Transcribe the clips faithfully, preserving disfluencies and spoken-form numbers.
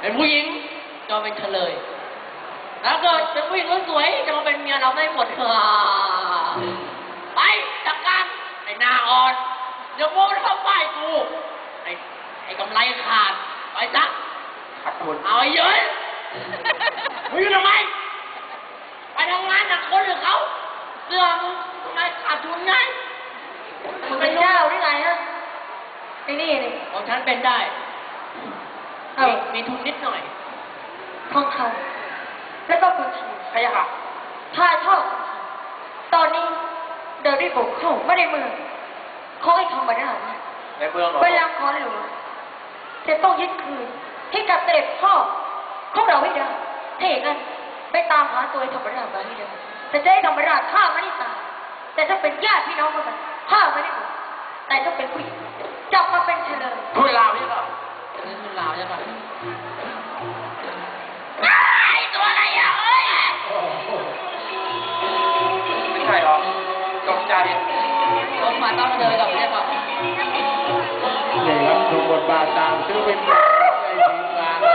เป็นผู้หญิงจะมาเป็นเฉลยแล้วเกิดเป็นผู้หญิงสวยจะมาเป็นเมียเราได้หมดเถอะไปจัดการไอ้หน้าอ่อนเดี๋ยวโม้เข้าป้ายกูไอ้ไอ้กำไรขาดไปซะขาดทุนเอาไอ้เยอะมึงอยู่ทำไมไปทำงานหนักคนหรือเขาเรื่องทำไมขาดทุนไงมึงเป็นเจ้าหรือไงฮะไอ้นี่นี่ของฉันเป็นได้เออมีทุนนิดหน่อยทองคำแล้วก็กุญแจใครอะค่ะถ่ายทอดตอนนี้เดินได้บุกเข้าไม่ได้เมืองเขาให้ทำมาได้ในเมืองหรอเวลาขอหลวงจะต้องยึดคืนให้กับเสด็จพ่อของเราให้ได้ถ้าอย่างนั้นไปตามหาตัวธรรมราชมาให้ได้แต่จะให้ธรรมราชฆ่าไม่ได้ตายแต่ถ้าเป็นญาติพี่น้องกันฆ่าไม่ได้หมดแต่ถ้าเป็นผู้หญิงจับมาเป็นเฉลยทุนลาวใช่ป่ะทุนลาวใช่ป่ะไอ้ตัวอะไรอ่ะเอ้ยไม่ใช่หรอตกใจรถมาต้องเดินกับเนี่ยป่ะนี่ครับทุกบทบาทตามชื่อเป็นในทีมงานครับ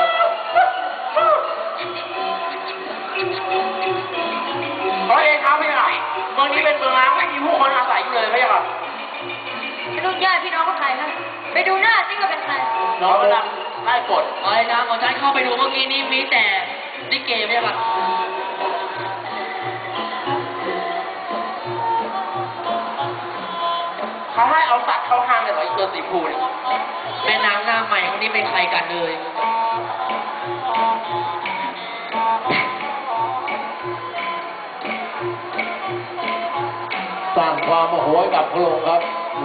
เพราะเองครับพี่หน่อยเมืองนี้เป็นเมืองร้างไม่มีผู้คนอาศัยอยู่เลยพี่ครับไปดูญาติพี่น้องเขาใครนะไปดูหน้าซิว่าเป็นใครน้องกำลังไล่กดไอ้นะของฉันเข้าไปดูเมื่อกี้นี้มีแต่ลิเกพี่ครับเขาให้เอาสัตว์เข้าห้างเลยเหรออีกตัวสีพูเนี่ยแม่นางหน้าใหม่คนนี้เป็นใครกันเลยสร้างความโมโหกับพระองค์ครับ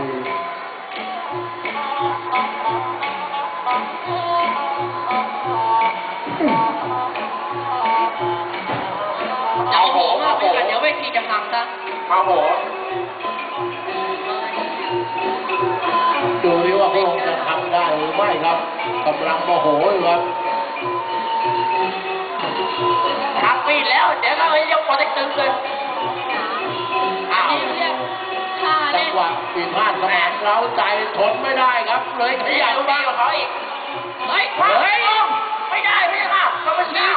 เจ้าโหมากเลยเดี๋ยวเวทีจะพังซะมาโหดูดิว่าพระองค์จะทำได้หรือไม่ครับกำลังโมโหอยู่ครับทักปีแล้วเดี๋ยวก็ไปยกโปรเทคตึงเลยอ้าวจังหวะปีพลาดสมานเร้าใจทนไม่ได้ครับเลยขยับบ้างกับเขาอีกเฮ้ยเฮ้ยไม่ได้ไม่ได้ค่ะเขาเป็นช้า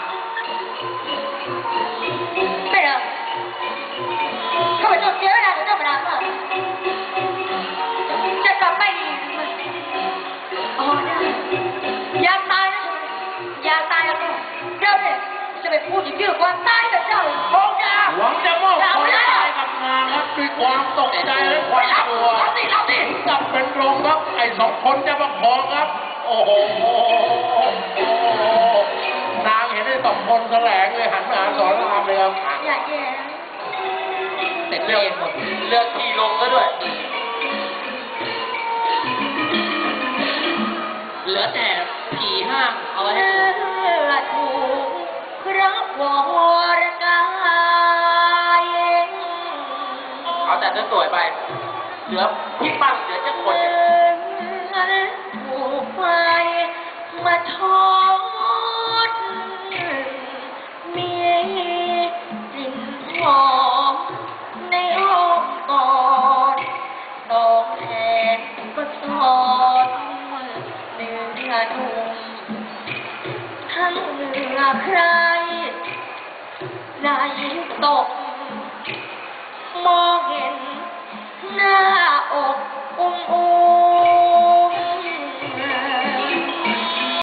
ไม่ได้เขาเป็นตัวเสียเวลาจะต้องเวลามากจะกลับไปดีอ๋อได้อยากตายนะอยากตายแล้วก็เจ้าเนี่ยจะไปพูดถึงเรื่องความตายกับเจ้าโอ้ยหวังจะมอบความตายกับนางครับด้วยความตกใจและความกลัวจับเป็นลมครับไอ้สองคนจะประคองครับโอ้โหนางเห็นได้สองคนแสลงเลยหันมาหาสอนรามเลยครับอย่าแย่เสร็จเรื่องหมดเลือกที่ลงก็ด้วยเหลือแต่ผีห้างเอาไว้ให้ถูกรับวรกายเอาแต่สวยไปเหลือพี่ปั้นเหลือเจ้าคนถูกไฟมาทอดมีกลิ่นหอมในอ้อมกอดดอกแทนก็สอนเนื้อนุ่มทั้งเนื้อใครไหลตกมองเห็นหน้า